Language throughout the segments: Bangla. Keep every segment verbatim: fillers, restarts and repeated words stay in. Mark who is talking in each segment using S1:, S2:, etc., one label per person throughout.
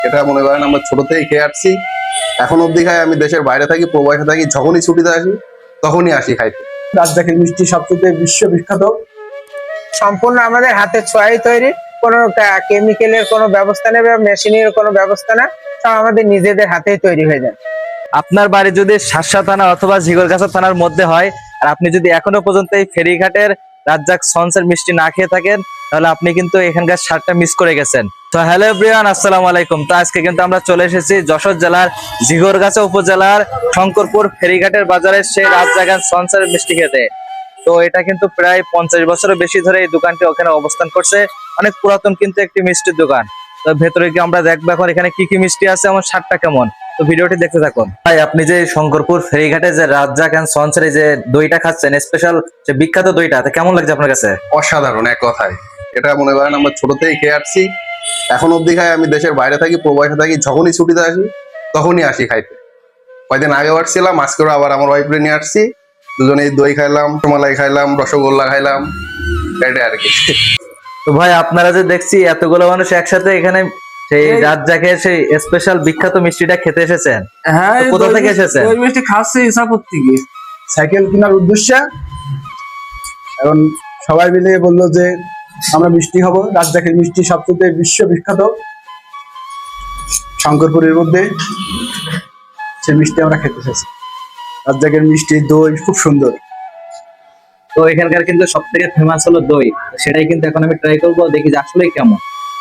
S1: এটা মনে করেন আমরা ছোট থেকে খেয়ে আসছি, এখন অব্দি খাই। আমি দেশের বাইরে থাকি, প্রবাসে থাকি, যখনই ছুটিতে আসি তখনই আসি খাইতে।
S2: রাজশাহীর মিষ্টি সবচেয়ে বিশ্ববিখ্যাত।
S3: সম্পূর্ণ আমাদের হাতের ছোঁয়ায় তৈরি, কোনো কেমিক্যালের কোনো ব্যবস্থা নেই বা মেশিনের কোনো ব্যবস্থা না, সব আমাদের নিজেদের হাতেই তৈরি হয়ে যায়।
S4: আপনার বাড়ি যদি শার্শা থানা অথবা ঝিগরগাছা থানার মধ্যে হয়, আর আপনি যদি এখনো পর্যন্ত এই ফেরিঘাটের রাজ্জাক সন্সের মিষ্টি না খেয়ে থাকেন, তাহলে আপনি কিন্তু এখানকার স্বাদটা মিস করে গেছেন। তো হ্যালো এভরিওয়ান, আসসালামু আলাইকুম। তো আজকে কিন্তু আমরা চলে এসেছি যশোর জেলার ঝিগরগাছা উপজেলার শঙ্করপুর ফেরিঘাটের বাজারে সেই রাজ্জাক সন্সের মিষ্টি খেতে। তো এটা কিন্তু প্রায় পঞ্চাশ বছরের বেশি ধরে এই দোকানটি ওখানে অবস্থান করছে। অনেক পুরাতন কিন্তু একটি মিষ্টির দোকান। তো ভেতরে গিয়ে আমরা দেখবো এখন এখানে কি কি মিষ্টি আছে, আমার স্বাদটা কেমন। তো ভিডিওটি দেখতে থাকুন। ভাই, আপনি যে শঙ্করপুর ফেরিঘাটে যে রাজ্জাক এন্ড সন্সের যে দইটা খাচ্ছেন, স্পেশাল যে বিখ্যাত দইটা, তো কেমন লাগছে আপনার কাছে?
S1: অসাধারণ এক কথায়। এটা মনে করেন আমরা ছোট থেকে খেয়ে আসছি, এখন অব্দি খাই। আমি দেশের বাইরে থাকি, প্রবাসে থাকি, যখনই ছুটিতে আসি তখনই আসি খাইতে। কয়েকদিন আগেও আসছিলাম, আজকেও আবার আমার ওয়াইফরে নিয়ে আসছি। দুজনেই দই খাইলাম, রসমালাই খাইলাম, রসগোল্লা খাইলাম, এটাই আর কি।
S4: তো ভাই, আপনারা যে দেখছি এতগুলো মানুষ একসাথে এখানে সেই রাজ্জাকের সেই স্পেশাল বিখ্যাত মিষ্টিটা খেতে এসেছেন।
S2: হ্যাঁ,
S4: তো কোথা থেকে এসেছেন?
S2: ওই মিষ্টি খাচ্ছে ইসাপুর থেকে সাইকেল কেনার উদ্দেশ্যে। এখন সবাই মিলে বললো যে আমরা মিষ্টি খাবো। রাজশাহীর মিষ্টি সবচেয়ে বিশ্ববিখ্যাত। শঙ্করপুরের মধ্যে সেই মিষ্টি আমরা খেতে এসেছি। রাজশাহীর মিষ্টি দই খুব সুন্দর।
S4: তো এখানকার কিন্তু সব থেকে ফেমাস হলো দই, সেটাই কিন্তু এখন আমি ট্রাই করবো, দেখি যে আসলে কেমন।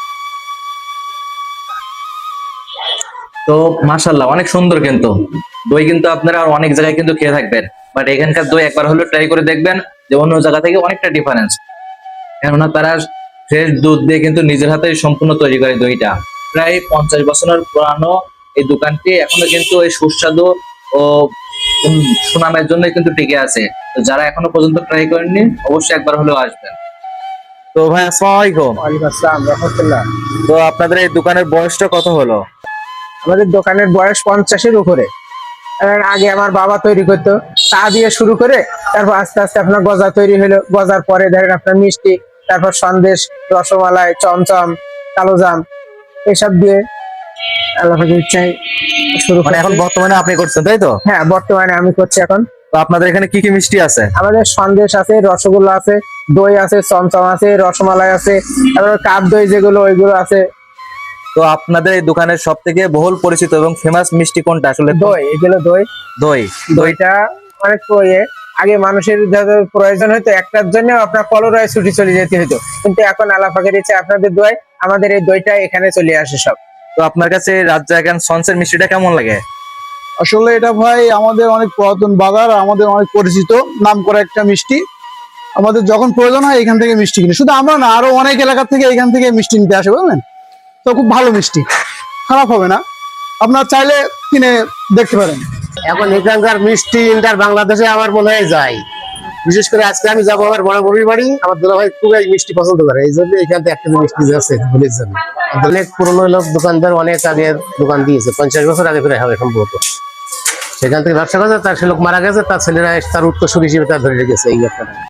S4: তো মাশাআল্লাহ, অনেক সুন্দর কিন্তু দই। কিন্তু আপনারা আর অনেক জায়গায় কিন্তু খেয়ে থাকবেন, বাট এখানকার দই একবার হলো ট্রাই করে দেখবেন যে অন্য জায়গা থেকে অনেকটা ডিফারেন্স। কেননা তারা ফ্রেশ দুধ দিয়ে কিন্তু নিজের হাতে সম্পূর্ণ তৈরি করে দইটা। প্রায় পঞ্চাশ বছরের পুরানো এই দোকানটি এখনো কিন্তু এই সুস্বাদু ও সুনামের জন্য কিন্তু টিকে আছে। তো যারা এখনো পর্যন্ত ট্রাই করেননি, অবশ্যই একবার হলেও আসবেন। তো ভাই, আসসালামু আলাইকুম।
S3: ওয়ালাইকুম আসসালাম, রাহমাতুল্লাহ।
S4: তো আপনাদের এই দোকানের বয়সটা কত হলো?
S3: আমাদের দোকানের বয়স পঞ্চাশের উপরে। কারণ আগে আমার বাবা তৈরি করতো, চা দিয়ে শুরু করে তারপর আস্তে আস্তে আপনার গজা তৈরি হলো। গজার পরে ধরেন আপনার মিষ্টি, তারপর সন্দেশ, রসমালাই, চমচম, কালোজাম এসব দিয়ে আল্লাহ পাকের ইচ্ছায় শুরু
S4: মানে
S3: করে।
S4: এখন বর্তমানে আপনি করছেন, তাই তো?
S3: হ্যাঁ, বর্তমানে আমি করছি এখন।
S4: তো আপনাদের এখানে কি কি মিষ্টি আছে?
S3: আমাদের সন্দেশ আছে, রসগোল্লা আছে, দই আছে, চমচম আছে, রসমালাই আছে, তারপর কাপ দই যেগুলো ওইগুলো আছে।
S4: তো আপনাদের এই দোকানের সব থেকে বহুল পরিচিত এবং ফেমাস মিষ্টি কোনটা আসলে?
S3: দই, এগুলো দই।
S4: দই।
S3: দইটা অনেক ইয়ে, আগে মানুষের যাদের প্রয়োজন হতো একটার জন্য আপনার কলরায় ছুটি চলে যেতে হতো, কিন্তু এখন আল্লাহ পাকের ইচ্ছে আপনাদের দোয়ায় আমাদের এই দইটা এখানে চলে আসে সব।
S4: তো আপনার কাছে রাজ্জাক এন্ড সন্সের মিষ্টিটা কেমন লাগে?
S2: আসলে এটা ভাই আমাদের অনেক পুরাতন বাজার, আমাদের অনেক পরিচিত নাম করা একটা মিষ্টি। আমাদের যখন প্রয়োজন হয় এখান থেকে মিষ্টি কিনে, শুধু আমরা না, আরো অনেক এলাকা থেকে এখান থেকে মিষ্টি নিতে আসে, বুঝলেন তো। খুব ভালো মিষ্টি, খারাপ হবে না, আপনার চাইলে কিনে দেখতে পারেন।
S5: এখন এখানকার মিষ্টি ইন্টার বাংলাদেশে আমার মনে হয় যায়। বিশেষ করে আজকে আমি যাবো আমার বড় বড়ির বাড়ি, আমার দুলা ভাই খুব মিষ্টি পছন্দ করে, এই জন্য এখান থেকে একটা মিষ্টি আছে ভুলের জন্য। অনেক পুরোনো লোক দোকানদার, অনেক আগে দোকান দিয়েছে, পঞ্চাশ বছর আগে করে হবে সম্ভবত। সেখান থেকে ব্যবসা করছে, তার সে লোক মারা গেছে, তার ছেলেরা তার উত্তরসূরি হিসেবে তার ধরে রেখেছে এই ব্যাপারটা।